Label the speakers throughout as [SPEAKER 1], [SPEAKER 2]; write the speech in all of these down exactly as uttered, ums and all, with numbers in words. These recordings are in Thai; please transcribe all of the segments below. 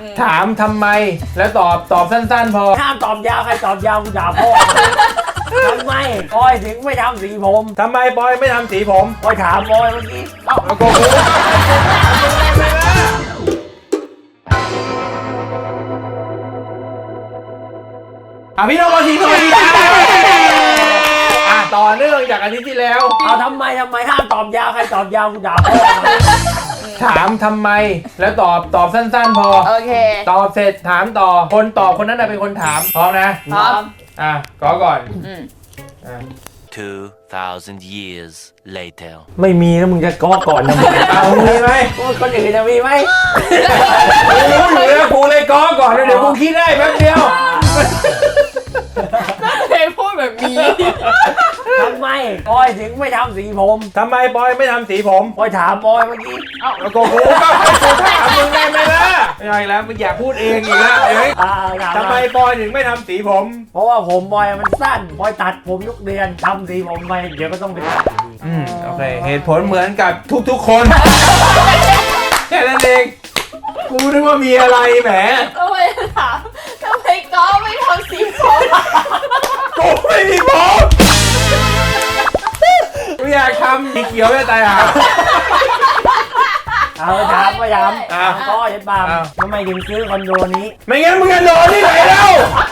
[SPEAKER 1] ถามทำไมแล้วตอบตอบสั้นๆพอ
[SPEAKER 2] ห้ามตอบยาวใครตอบยาวกูด่าพ่อทำไมปอยถึงไม่ทำสีผม
[SPEAKER 1] ทำไมปอยไม่ทำสีผม
[SPEAKER 2] ปอยถามปอยเมื่อกี้เอ้า
[SPEAKER 1] โกหกอ่ะพี่น้องมาทีสวัสดีครับอ่ะต่อเนื่องจากอาทิตย์ที่แล้ว
[SPEAKER 2] เอาทำไมทำไมห้ามตอบยาวใครตอบยาวกูด่าพ่อ
[SPEAKER 1] ถามทำไมแล้วตอบตอบสั้นๆพอ
[SPEAKER 3] โอเค
[SPEAKER 1] ตอบเสร็จถามต่อคนตอบคนนั้นเป็นคนถามพร้อมนะ
[SPEAKER 3] พร้อม
[SPEAKER 1] อ่ะก็ก่อน
[SPEAKER 3] อ่ะ
[SPEAKER 4] two thousand years later
[SPEAKER 2] ไม่มีแล้วมึงจะก้อก่อนทำไม
[SPEAKER 1] เอามีไหม
[SPEAKER 2] คนอื่นจะมีไหม
[SPEAKER 1] รู้อยู่แล้วกูเลยก้อก่อนเดี๋ยวกูคิดได้แป๊บเดียว
[SPEAKER 3] เคยพูดแบบนี้
[SPEAKER 2] ทำไมปอยถึงไม่ทำสีผม
[SPEAKER 1] ทำไมปอยไม่ทำสีผม
[SPEAKER 2] ปอยถามปอยเมื่อกี้
[SPEAKER 1] เอ้าแล้วก็กูก็ให้กูถามมึงได้ไหมล่ะไม่ใช่แล้วมึงอยากพูดเองอีกแล้วเอ้ยทำไมปอยถึงไม่ทำสีผม
[SPEAKER 2] เพราะว่าผมปอยมันสั้นปอยตัดผมทุกเดือนทำสีผมไปเดี๋ยวก็ต้องไปตัด
[SPEAKER 1] อืมโอเคเหตุผลเหมือนกับทุกๆคนแค่นั้นเองกูนึกว่ามีอะไรแหม
[SPEAKER 3] ทำไมถามทำไมก็ไม่ทำสีผม
[SPEAKER 1] กูไม่มีผมกูอยากทำสีเขียวจะตายอ่ะ
[SPEAKER 2] เอาไปถามไปถามถามก็ยัดบามทำไมถึงซื้อคอนโดนี้
[SPEAKER 1] ไม่งั้นมึงจะนอนที่ไหนแล้ว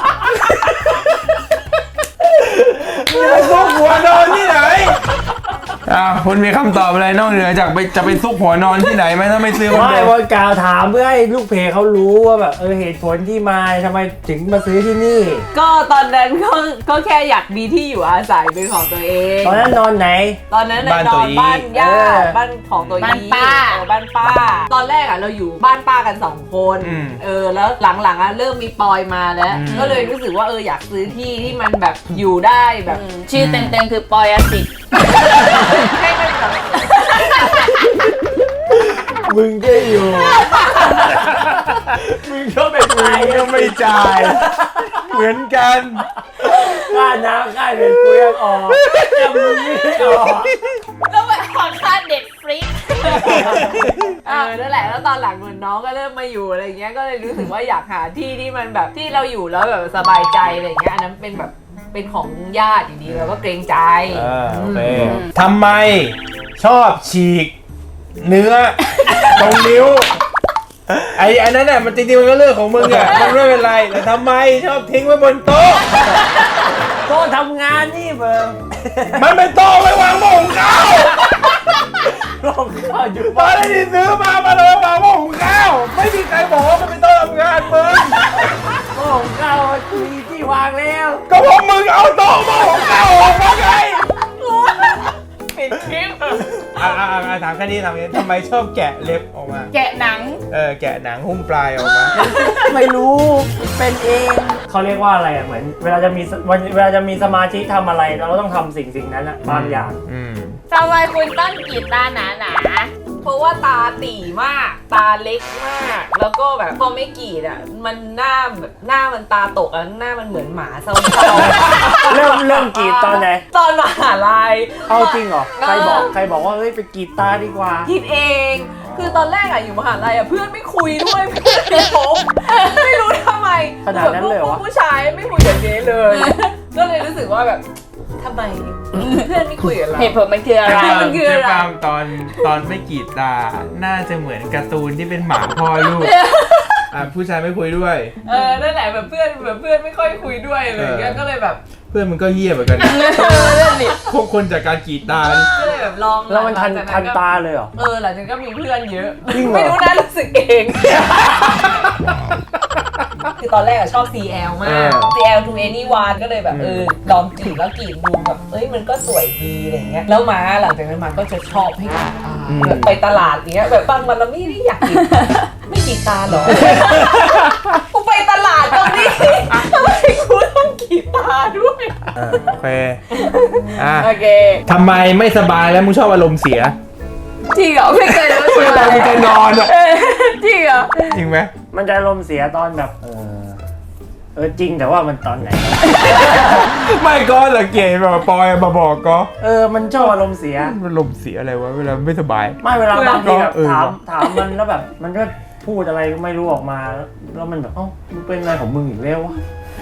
[SPEAKER 1] มึงจะซุกหัวนอนที่ไหนอ่าคุณมีคำตอบอะไรนอกเหนือจากไปจะไปซุกหัวนอนที่ไหนไหมถ้าไม่ซื้อคอนโด
[SPEAKER 2] ไม่วันกล่าวถามเพื่อให้ลูกเพจเขารู้ว่าแบบเออเหตุผลที่มาทำไมถึงมาซื้อที่นี่
[SPEAKER 5] ก็ตอนนั้นก็ก็แค่อยากมีที่อยู่อาศัยเป็นของตัวเอง
[SPEAKER 2] ตอนนั้นนอนไหน
[SPEAKER 5] ตอนนั้นนอนบ้านย่าบ้านของตัวเอง
[SPEAKER 3] บ้านป้า
[SPEAKER 5] บ้านป้าตอนแรกอ่ะเราอยู่บ้านป้ากันสองคนเออแล้วหลังๆอ่ะเริ่มมีปอยมาแล้วก็เลยรู้สึกว่าเอออยากซื้อที่ที่มันแบบอยู่ได้แบบ
[SPEAKER 3] ชื่อเต็มๆคือปอยอสิทธิ์
[SPEAKER 5] ให้มันแบบ
[SPEAKER 2] มึงจะอยู่มึงก็ไปจ่าย
[SPEAKER 1] ก็ไม่จ่ายเหมือนกัน
[SPEAKER 2] ค่าน้ำค่าเน็ตกูยังออกแต่มึงไม่ได้ออก
[SPEAKER 3] แล้วไปขอค่าเด็ดฟรี
[SPEAKER 5] เออนั่นแหละแล้วตอนหลังเหมือนน้องก็เริ่มมาอยู่อะไรเงี้ยก็เลยรู้สึกว่าอยากหาที่ที่มันแบบที่เราอยู่แล้วแบบสบายใจอะไรเงี้ยอันนั้นเป็นแบบเป็นของญาติอยู่ดีเราก็เกรงใจ
[SPEAKER 1] โอเคทำไมชอบฉีกเนื้อตรงนิ้วไอ้อันนั้นน่ะมันจริงๆมันก็เรื่องของมึงอ่ะมันไม่เป็นไรแต่ทำไมชอบทิ้งไว้บนโต๊ะ
[SPEAKER 2] โต๊ะทำงานนี่เบิร์
[SPEAKER 1] มันเป็นโต๊ะไว้วางหม้อหุงข้าว
[SPEAKER 2] หม้อหุงข้าวอยู่
[SPEAKER 1] บ้านที่ซื้อมามาเลยวางหม้อหุงข้าวไม่มีใครบอกว่ามันเป็นโต๊ะทำงานมึง
[SPEAKER 2] หม้อหุงข้าวมีที่วางแล้ว
[SPEAKER 1] ก็พวกมึงเอาโต๊ะหม้อหุงข้าวออกมาไง
[SPEAKER 3] ปิดคลิป
[SPEAKER 1] อ่าถามแค่นี้ทำไงทำไมชอบแกะเล็บออกมา
[SPEAKER 3] แกะหนัง
[SPEAKER 1] เออแกะหนังหุ้มปลายออกมา
[SPEAKER 2] ไม่รู้เป็นเองเขาเรียกว่าอะไรอ่ะเหมือนเวลาจะมีเวลาจะมีสมาธิทำอะไรเราต้องทำสิ่งสิ่งนั้นอ่ะบางอย่าง
[SPEAKER 3] ทำไมคุณต้องกรีดตาหนาหนา
[SPEAKER 5] เพราะว่าตาตี่มากตาเล็กมากแล้วก็แบบพอไม่กรีดอ่ะมันหน้าแบบหน้ามันตาตกอ่ะหน้ามันเหมือนหมาเศร้า
[SPEAKER 2] ๆเริ่มเริ่มกรีดตอนไหน
[SPEAKER 5] ตอนมหาลัย
[SPEAKER 2] เอาจริงเหรอใครบอกใครบอกว่าเฮ้ยไปกรีดตาดีกว่า
[SPEAKER 5] คิดเองคือตอนแรกอะอยู่มหาลัยอะเพื่อนไม่คุยด้วยเพื่อนไม่พบไม่รู้ทำไม
[SPEAKER 2] ขนาดนั้นเลยวะ
[SPEAKER 5] ผู้ชายไม่คุยกับเจ๊เลยก็เลยรู้สึกว่าแบบทำไมเพื่อนไม่คุยกับเรา
[SPEAKER 3] เหตุผลมันคืออะไร
[SPEAKER 5] มันคืออะไร
[SPEAKER 1] ตอนตอนไม่กรีดตาน่าจะเหมือนการ์ตูนที่เป็นหมาพ่อลูกอ่ะผู้ชายไม่คุยด้วย
[SPEAKER 5] เออนั่นแหละแบบเพื่อนแบบเพื่อนไม่ค่อยคุยด้วยอะไรอย่างเงี้ยก็เลยแบบ
[SPEAKER 1] เพื่อนมันก็เหี้ยเหมือนกันพวกคนจากการกรีดตา
[SPEAKER 5] ก็เลยแบบลอง
[SPEAKER 2] แล้วมันทันทันตาเลยเหรอ
[SPEAKER 5] เออหลังจากนั้นก็มีเพื่อนเยอะไม่รู้นะรู้สึกเองคือตอนแรกอะชอบ ซี แอล มาก ซี แอล to anyone ก็เลยแบบเออลองกรีดแล้วกรีดดูแบบเอ้ยมันก็สวยดีอะไรเงี้ยแล้วมาหลังจากนั้นมาก็จะชอบให้กรีดตาแบบไปตลาดเงี้ยแบบบางวันเราไม่ได้อยากกรีดไม่กรีดตาหรอกูไปตลาดตรงนี้ทำไมกูต้องกรีดตาด้วย
[SPEAKER 1] โอเคอ่ะ
[SPEAKER 5] โอเค
[SPEAKER 1] ทำไมไม่สบายแล้วมึงชอบอารมณ์เสีย
[SPEAKER 5] จริงเหรอไม่เคยรู้สึก
[SPEAKER 1] ตอนมึงจะนอนอ่ะ
[SPEAKER 5] จริงเหรอ
[SPEAKER 1] จริงไหม
[SPEAKER 2] มันจะอารมณ์เสียตอนแบบเออเออจริงแต่ว่ามันตอนไหน
[SPEAKER 1] ไม่ก็ละเกย์แบบปอยมาบอกก็
[SPEAKER 2] เออมันชอบอารมณ์เสีย
[SPEAKER 1] อารมณ์เสียอะไรวะเวลาไม่สบาย
[SPEAKER 2] ไม่เวลาบางทีแบบถามถามมันแล้วแบบมันก็พูดอะไรก็ไม่รู้ออกมาแล้วมันแบบเอ้ามึงเป็นอะไรของมึงอีกแล้ววะ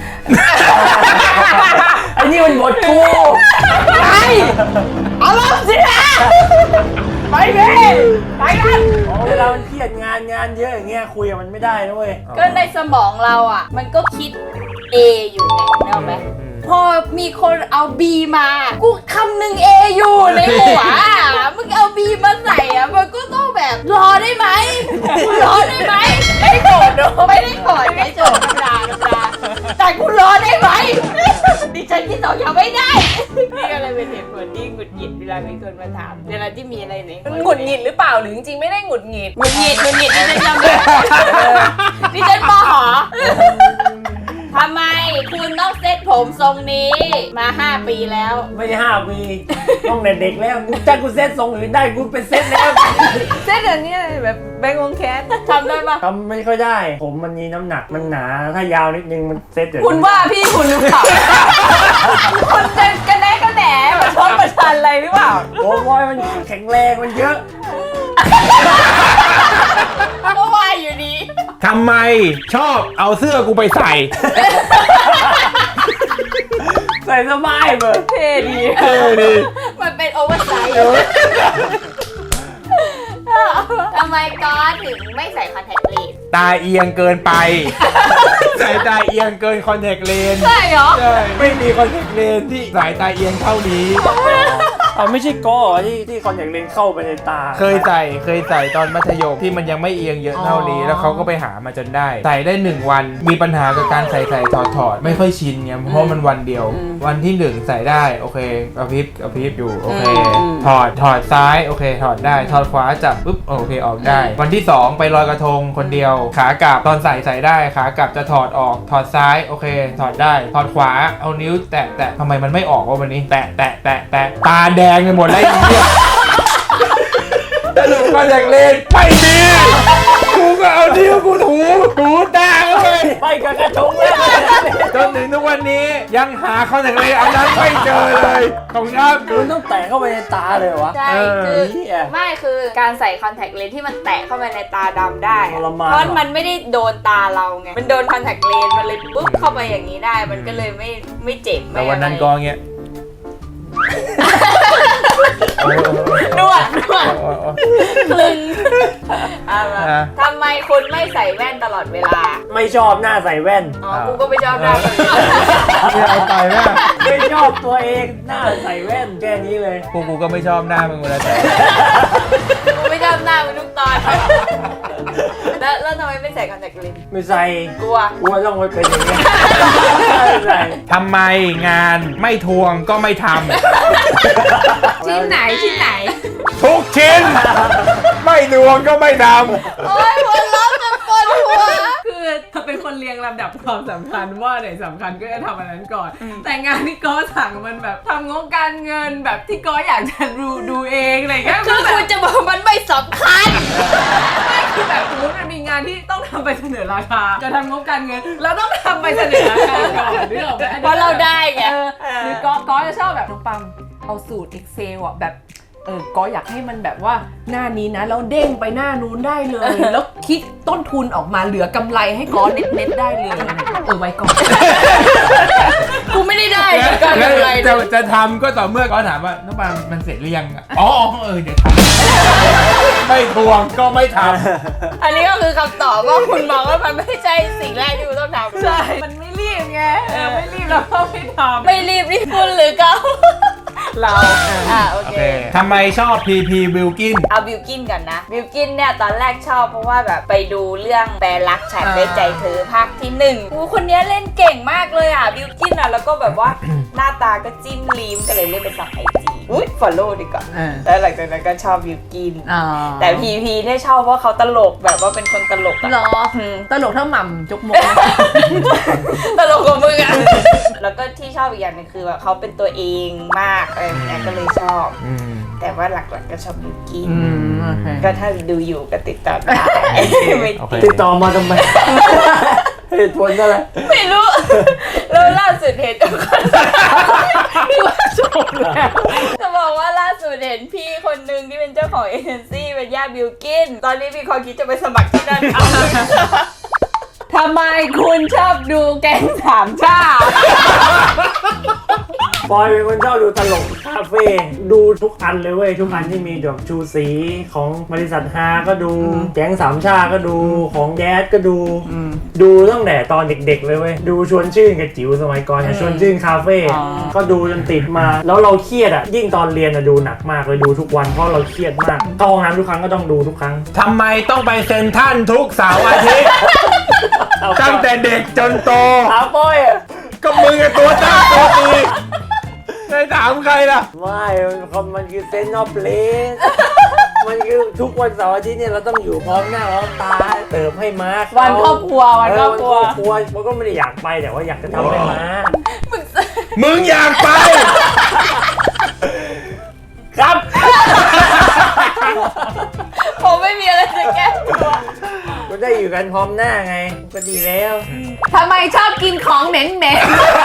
[SPEAKER 2] ไอ้นี่มันบทกูไปเอาลงสินะไปเลยไปกันเวลามันเครียดงานงานเยอะอย่างเงี้ยคุยกับมันไม่ได้นะเว้ย
[SPEAKER 3] ก็ในสมองเราอ่ะ มันก็คิด A อยู่ไงเข้าไหมพอมีคนเอา B มา กูคำหนึ่ง A อยู่ในหัวอ่ะมึงเอา B มาใส่อ่ะมันก็ต้องแบบรอได้ไหมรอได้ไหมไม่โกรธโดไม่ได้โกรธไม่โกรธธรรมดาธรรมดาแต่กูรอได้ไหมดิฉันที่สองยังไม่ได้นี่ก็เลยเป็นเหตุผลที่หงุดหงิดเวลามีคนมาถามเวลาที่มีอะไรใน
[SPEAKER 5] มันหงุดหงิดหรือเปล่าหรือจริงๆไม่ได้หงุดหงิด
[SPEAKER 3] หงุดหงิดหงุดหงิดดิฉันจำได้ดิฉันปหอทำไมคุณต้องเซ็ตผมทรงนี้มาห้าปีแล้ว
[SPEAKER 2] ไม่ได้ห้าปีต้องเด็กๆแล้วกูจ้างกูเซ็ตทรงอื่นได้กูเป็นเซ็ตแล้ว
[SPEAKER 5] เส้นแบบนี้แบบแบงค์วงแคส
[SPEAKER 3] ทำได้ปะ
[SPEAKER 2] ทำไม่ค่อยได้ผมมันมีน้ำหนักมันหนาถ้ายาวนิดนึงมันเซ็ตเดี๋ยว
[SPEAKER 5] คุณว่าพี่คุณหรือเปล่าคุณจะกระแนะกระแหนมาชดประชันอะไรหรือเปล่า
[SPEAKER 2] โอ้ยมันแข็งแรงมันเยอะ
[SPEAKER 3] ก็ว่าอยู่ดี
[SPEAKER 1] ทำไมชอบเอาเสื้อกูไปใส่
[SPEAKER 2] ใส่สบายเบอร์
[SPEAKER 5] เท่ดี
[SPEAKER 1] เออดี
[SPEAKER 3] มันเป็นโอเวอร์ไซส์ทำไมก๊อตถึงไม่ใส่คอนแทคเลนส์
[SPEAKER 1] ตาเอียงเกินไป สายตาเอียงเกินคอนแทคเลนส์
[SPEAKER 3] ใช่เหรอ
[SPEAKER 1] ใช่ไม่มีคอนแทคเลนส์ที่สายตาเอียงเท่านี้
[SPEAKER 2] เอาไม่ใช่ก้อที่ที่คอนแทคเลนส์เข้าไปในตา
[SPEAKER 1] เคยใส่เคยใส่ตอนมัธยมที่มันยังไม่เอียงเยอะเท่านี้ แล้วเขาก็ไปหามาจนได้ ใส่ได้หนึ่งวันมีปัญหากับการใส่ใส่ถอดถอดไม่ค่อยชินไงเพราะมันวันเดียว วันที่หนึ่งใส่ได้โอเคกระพริบกระพริบอยู่โอเคถอดถอดซ้ายโอเคถอดได้ถอดขวาจับปุ๊บโอเคออกได้ วันที่สองไปลอยกระทงคนเดียว ขากลับตอนใส่ใส่ได้ขากลับจะถอดออกถอดซ้ายโอเค ถอดได้ถอดขวาเอานิ้วแตะแตะทำไมมันไม่ออกวะวันนี้แตะแตะแตะแตะตาแดงไปหมดแล้วไอ้เหี้ยสรุปก็อยากเล่นไม่ดีกูก็เอานิ้วกูถูถูตาเข้าไป
[SPEAKER 2] ไปกับกระทงเลย
[SPEAKER 1] จนถึงทุกวันนี้ยังหาคอนแทคเลนส์อันนั้นไม่เจอเลยของครับ
[SPEAKER 2] มันต้องแตะเข้าไปในตาเลยวะ
[SPEAKER 3] ใช่
[SPEAKER 1] เออ
[SPEAKER 3] คือ
[SPEAKER 2] เหี้ย
[SPEAKER 3] ไม่คือการใส่คอนแทคเลนส์ที่มันแตะเข้าไปในตาดำได้
[SPEAKER 2] ทรมาน
[SPEAKER 3] เพราะมันไม่ได้โดนตาเราไงมันโดนคอนแทคเลนส์มันเลยปุ๊บเข้าไปอย่างนี้ได้มันก็เลยไม่ไม่เจ็บไม่
[SPEAKER 1] แต่วันนั้นก็เงี้ย
[SPEAKER 3] นวดนวดคลึงเอาละ
[SPEAKER 1] อ่ะ
[SPEAKER 3] ทำไมคุณไม่ใส่แว่นตลอดเวลา
[SPEAKER 2] ไม่ชอบหน้าใส่แว่น
[SPEAKER 3] อ๋อ กูก็ไม่ชอบหน้าแบบนี้
[SPEAKER 1] นี่เอาไปแม่
[SPEAKER 2] ไม่ชอบตัวเองหน้าใส่แว่นแค่นี้เลย
[SPEAKER 1] พวกกูก็ไม่ชอบหน้ามึงเวลาแต่
[SPEAKER 3] กูไม่ชอบหน้ามึงทุกตอนแล้วแล้วทำไมไม่ใส่คอนแทคเลนส์
[SPEAKER 2] ไม่ใส่
[SPEAKER 3] กลัว
[SPEAKER 2] กลัวต้องไปเป็นอย่างนี้ไม่ใส่
[SPEAKER 1] ทำไมงานไม่ทวงก็ไม่ท
[SPEAKER 5] ชิ้นไหนชิ้นไหน
[SPEAKER 1] ำทุกชิ้น ไม่ทวงก็ไม่ท
[SPEAKER 3] โอ๊ยหัวเราะจนปวดหัว
[SPEAKER 5] คือเธอเป็นคนเรียงลำดับความสำคัญว่าไหนสำคัญก็จะทำอันนั้นก่อน แต่งานที่ก้อสั่งมันแบบทำงบการเงินแบบที่ก้ออยากจะดูดูเองอะไรเงี้ย
[SPEAKER 3] คือกูจะบอกมันไม่สำคัญ
[SPEAKER 5] ไม่คือแบบสมมติมันมีงานที่ต้องทำไปเสนอราคาจะทำงบการเงินเราต้องทำไปเสนอราคาก่อนนึกออกไหม
[SPEAKER 3] เพราะเราได้ไง
[SPEAKER 5] เออหรือก้อก้อจะชอบแบบน้องปังเอาสูตร Excel อ่ะแบบเออก็อยากให้มันแบบว่าหน้านี้นะแล้วเด้งไปหน้านู้นได้เลย แล้วคิดต้นทุนออกมาเหลือกำไรให้ก้อเน็ตๆได้เลยเออไว้ก่อน
[SPEAKER 3] กูไม่ได้ได้เหมือนกัน
[SPEAKER 1] ำแล้ว
[SPEAKER 3] อะไร
[SPEAKER 1] จะจะทำก็ต่อเมื่อก็ถามว่าน้องปานมันเสร็จหรือยังอ๋อเออเดี๋ยวทำไม่ทวงก็ไม่ท
[SPEAKER 3] อันนี้ก็คือคำตอบว่าคุณมองว่ามันไม่ใช่สิ่งแรกที่คุณต้องทำ
[SPEAKER 5] ใช่มันไม่รีบไงเออไม่รีบแล้วก็ไม่ทำ
[SPEAKER 3] ไม่รีบนี่คุณหรือเขา
[SPEAKER 5] เรา
[SPEAKER 3] อ่าโอ
[SPEAKER 1] ำโอ
[SPEAKER 3] เค
[SPEAKER 1] เคทำไมชอบพีพีบิลกิน
[SPEAKER 3] เอาบิวกินกันนะบิวกินเนี่ยตอนแรกชอบเพราะว่าแบบไปดูเรื่องแปลรักฉันด้วยใจเธอภาคที่หนึ่งกูคนนี้เล่นเก่งมากเลยอ่ะบิวกินอ่ะแล้วก็แบบว่า หน้าตาก็จิ้มลีมก็เลยเล่นเป็นสับไอจีอุ้ยฟอลโล่ดีกว่าแล้วหลังจากนั้นก็ชอบบิวกินแต่พีพีเนี่ยชอบเพราะเขาตลกแบบว่าเป็นคนตลกอะ
[SPEAKER 5] เหรอ
[SPEAKER 3] อืม
[SPEAKER 5] ตลกเท่าหม่ำจกมก
[SPEAKER 3] ตลกกว่ามึงอะแล้วก็ที่ชอบอีกอย่างหนึงคือแบบเขาเป็นตัวเองมากอะไรอย่างเงี้ยก็เลยชอบ
[SPEAKER 1] อืม
[SPEAKER 3] แต่ว่าหลักๆก็ชอบบิวกิน
[SPEAKER 5] อืมโอเค
[SPEAKER 3] ก็ถ้าดูอยู่ก็ติดต่อได้ไม่
[SPEAKER 1] โอเค
[SPEAKER 3] ติด
[SPEAKER 2] ติดต่อมาทำไม เหตุผลอะไร
[SPEAKER 3] ไม่รู้ แล้วล่าสุดเห็นทุกคนที่ว่าชมแล้วจะบอกบอกว่าล่าสุดเห็นพี่คนหนึ่งที่เป็นเจ้าของเอเจนซี่เป็นย่าบิลกินตอนนี้มีคนคิดจะไปสมัครที่นั่นเอา
[SPEAKER 5] ทำไมคุณชอบดูแก๊งสามชาติ
[SPEAKER 2] ปอยเป็นคนชอบดูตลกคาเฟ่ดูทุกอันเลยเว้ยทุกอันที่มีดอกชูสีของบริษัทฮาก็ดูแก๊งสามชาก็ดูของแดดก็ดูดูตั้งแต่ตอนเด็กๆเลยเว้ยดูชวนชื่นกับจิ๋วสมัยก่อนเนี่ยชวนชื่นคาเฟ่ก็ดูจนติดมาแล้วเราเครียดอ่ะยิ่งตอนเรียนอ่ะดูหนักมากเลยดูทุกวันเพราะเราเครียดมากเข้าห้องน้ำทุกครั้งก็ต้องดูทุกครั้ง
[SPEAKER 1] ทำไมต้องไปเซ็นทรัลทุกเสาร์อาทิตย์ ตั้งแต่เด็กจนโต
[SPEAKER 2] ถามปอยอะ
[SPEAKER 1] ก็มึงกับตัวตั้งตัวตีได้ถามใครล่ะ
[SPEAKER 2] ไม่มันคือเซนต์ออฟเพลสมันคือทุกวันเสาร์อาทิตย์เนี่ยเราต้องอยู่พร้อมหน้าพร้อมตาเติมให้ม้าเขา
[SPEAKER 5] วันครอบครัววัน
[SPEAKER 2] เอ
[SPEAKER 5] คร
[SPEAKER 2] อ
[SPEAKER 5] อบ
[SPEAKER 2] วัน
[SPEAKER 5] ค
[SPEAKER 2] ค
[SPEAKER 5] รัว
[SPEAKER 2] รอบครัวมันก็ไม่ได้อยากไปแต่ว่าอยากจะทำให้ม้า
[SPEAKER 1] มึงอยากไป
[SPEAKER 2] ครับ
[SPEAKER 3] ผมไม่มีอะไรจะแก้ตัว
[SPEAKER 2] ก็ได้อยู่กันพร้อมหน้าไงก็ดีแล้ว
[SPEAKER 5] ทำไมชอบกินของเหม็นเหม็น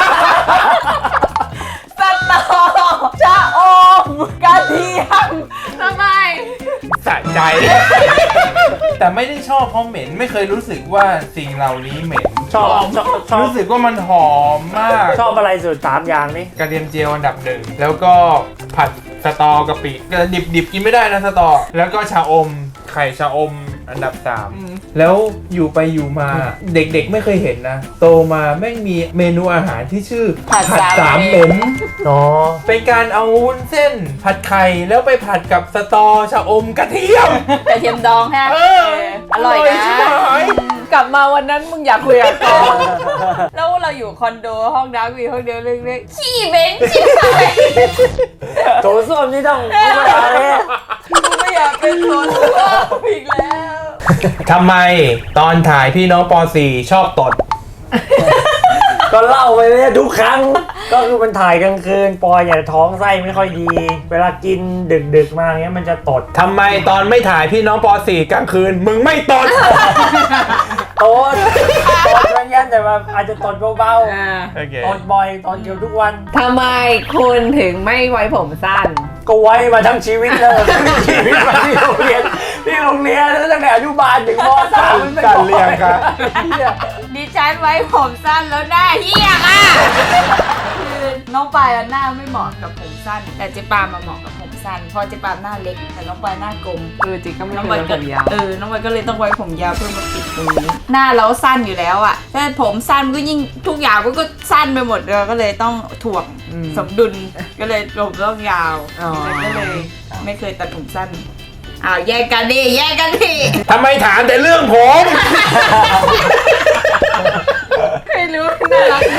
[SPEAKER 3] สตอชะอมกระเทียมทำไม
[SPEAKER 1] สะใจ แต่ไม่ได้ชอบเพราะเหม็นไม่เคยรู้สึกว่าสิ่งเหล่านี้เหม็น
[SPEAKER 2] ชอบชอบชอบ
[SPEAKER 1] รู้สึกว่ามันหอมมาก
[SPEAKER 2] ชอบอะไรสุดสามอย่างนี่
[SPEAKER 1] กระเทียมเจียวอันดับหนึ่งแล้วก็ผัดสตอกะปิดิบดิบกินไม่ได้นะสตอแล้วก็ชาอมไข่ชาอมอันดับสามแล้วอยู่ไปอยู่มาเด็กๆไม่เคยเห็นนะโตมาแม่งมีเมนูอาหารที่ชื่อ
[SPEAKER 3] ผัดสาม
[SPEAKER 1] สามเหม็น
[SPEAKER 2] อ๋อ
[SPEAKER 1] เป็นการเอาวุ้นเส้น ผัดไข่แล้วไปผัดกับสตอชาอมกระเทียม
[SPEAKER 3] กระเทียมดองฮะ
[SPEAKER 1] เออ
[SPEAKER 3] อร่อยนะ
[SPEAKER 1] ชิบหาย
[SPEAKER 5] กลับมาวันนั้นมึงอยากคุยกับกอน
[SPEAKER 3] แล้วเราอยู่คอนโดห้องน้ำมีห้องเดียวเล็กๆขี้เหม็นชิบหาย
[SPEAKER 2] โถส้วมนี่ต้องไม่ได้เลย
[SPEAKER 3] กูไม่อยากเป็นคนว่าอีกแล้ว
[SPEAKER 1] ทำไมตอนถ่ายพี่น้องป .สี่ ชอบตด
[SPEAKER 2] ก็เล่าไปเลยทุกครั้ง ก็คือมันถ่ายกลางคืนปอยเนี่ยท้องไส้ไม่ค่อยดี เวลากินดึกๆมาเงี้ยมันจะตด
[SPEAKER 1] ทำไมตอนไม่ถ่ายพี่น้องป .สี่ กลางคืน มึงไม่ตด
[SPEAKER 2] ตดตดมันยันแต่ว่าอาจจะตดเบา
[SPEAKER 5] อ่า
[SPEAKER 1] โอเค
[SPEAKER 2] ๆตดบ่อยตดเกือบทุกวัน
[SPEAKER 5] ทำไมคุณถึงไม่ไว้ผมสั้น
[SPEAKER 2] ก็ไว้มาทั้งชีวิตเลยชีวิตมาที่โรงเรียนที่โรงเรียนตั้งแต่อนุบาลถึงม .สามมันไม่
[SPEAKER 1] การเรียนครับ
[SPEAKER 3] ดิฉันไว้ผมสั้นแล้วหน้าเหี้ยอ่ะคือน้องปายหน้าไม่เหมาะกับผมสั้น แต่เจ๊ปามาเหมาะกับผมสั้นเพราะเจ๊ปาหน้าเล็กแต่น้องปายหน้ากลม
[SPEAKER 5] เออจริงก็ไม่
[SPEAKER 3] น้อง
[SPEAKER 5] เค
[SPEAKER 3] ปาย
[SPEAKER 5] ย
[SPEAKER 3] ก็
[SPEAKER 5] ผมยาว
[SPEAKER 3] เออน้องปายก็เลยต้องไว้ผมยาวเพื่อมาปิดตรงนี้หน้าเราสั้นอยู่แล้วอ่ะถ้าผมสั้นก็ยิ่งทุกอย่างมันก็สั้นไปหมดเลยก็เลยต้องถ่วงสมดุลก็เลยผมต้องยาว
[SPEAKER 5] อ๋อ
[SPEAKER 3] ก็เลยไม่เคยตัดผมสั้นอ้าวแยกกันดิแยกกันดิ
[SPEAKER 1] ทำไมถามแต่เรื่องผม
[SPEAKER 3] ไม่รู้น่ารักดี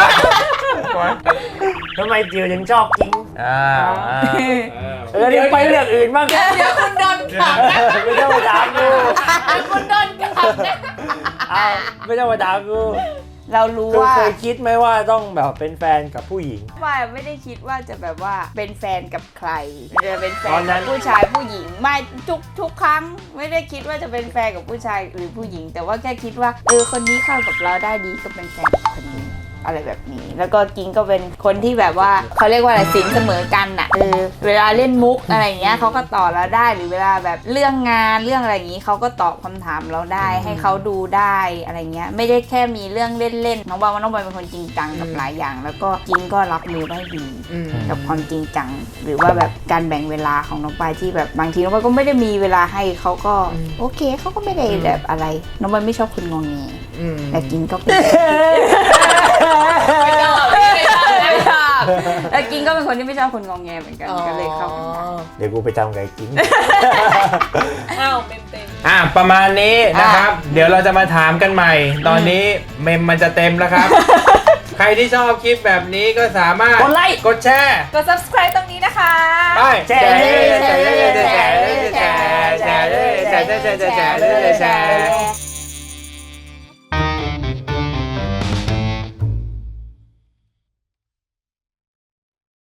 [SPEAKER 2] ทำไมจิ๋วยังชอบกิน
[SPEAKER 1] อ้าวอ้าว
[SPEAKER 2] เออเดี๋ยวไปเรื่องอื่นบ้าง
[SPEAKER 3] เดี๋ยวคุณโดนขับนะ
[SPEAKER 2] ไม่ต้องมาด่ากู
[SPEAKER 3] คุณโดนขับนะ
[SPEAKER 2] อ้าวไม่ต้องมาด่ากู
[SPEAKER 3] เรารู้
[SPEAKER 2] คือ
[SPEAKER 3] ว่า
[SPEAKER 2] เคยคิดไหมว่าต้องแบบเป็นแฟนกับผู้หญิง
[SPEAKER 3] ว่าไม่ได้คิดว่าจะแบบว่าเป็นแฟนกับใครจะเป็นแฟ
[SPEAKER 2] ตอน นนั้
[SPEAKER 3] กับ
[SPEAKER 2] น
[SPEAKER 3] ผู้ชายผู้หญิงไม่ทุกทุกครั้งไม่ได้คิดว่าจะเป็นแฟนกับผู้ชายหรือผู้หญิง แต่ว่าแค่คิดว่าเออคนนี้เข้ากับเราได้ดีก็เป็นแฟนกับคนนี้อะไรแบบนี้ แล้วก็กิงก็เป็นคนที่แบบว่าเขาเรียกว่าอะไรสินเสมอกันน่ะเออเวลาเล่นมุกอะไรอย่างเงี้ยเขาก็ตอบเราได้หรือเวลาแบบเรื่องงานเรื่องอะไรอย่างงี้เขาก็ตอบคำถามเราได้ให้เขาดูได้อะไรเงี้ยไม่ได้แค่มีเรื่องเล่นๆน้องบอลว่าน้องบอลเป็นคนจริงจังกับหลายอย่าง แล้วก็กิงก็รับมือได้ดี กับความจริงจังหรือว่าแบบการแบ่งเวลาของน้องปายที่แบบบางทีน้องปายก็ไม่ได้มีเวลาให้เขาก็โอเคเขาก็ไม่ได้แบบอะไรน้องปายไม่ชอบคนงงเงยแต่กินก็เป็นไม่ชอบไม่ชอบแต่กินก็เป็นคนที่ไม่ชอบคนงงเงยเหมือนกันก็เลยเข้ากันได้
[SPEAKER 2] เดี๋ยวกูไปจำไก่กิน
[SPEAKER 5] อ้าวเป็นเป็น
[SPEAKER 1] อ่ะประมาณนี้นะครับ เดี๋ยวเราจะมาถามกันใหม่ ตอนนี้เมมมันจะเต็มแล้วครับ ใครที่ชอบคลิปแบบนี้ก็สามารถ
[SPEAKER 2] กดไลค์
[SPEAKER 1] กดแชร์
[SPEAKER 3] กด subscribe ตรงนี้นะคะ
[SPEAKER 1] ไป
[SPEAKER 2] แชร์
[SPEAKER 1] แชร์แชร์แชร์แชร์แชร์แชร์แชร์แชร์แชร์แชร์แชร์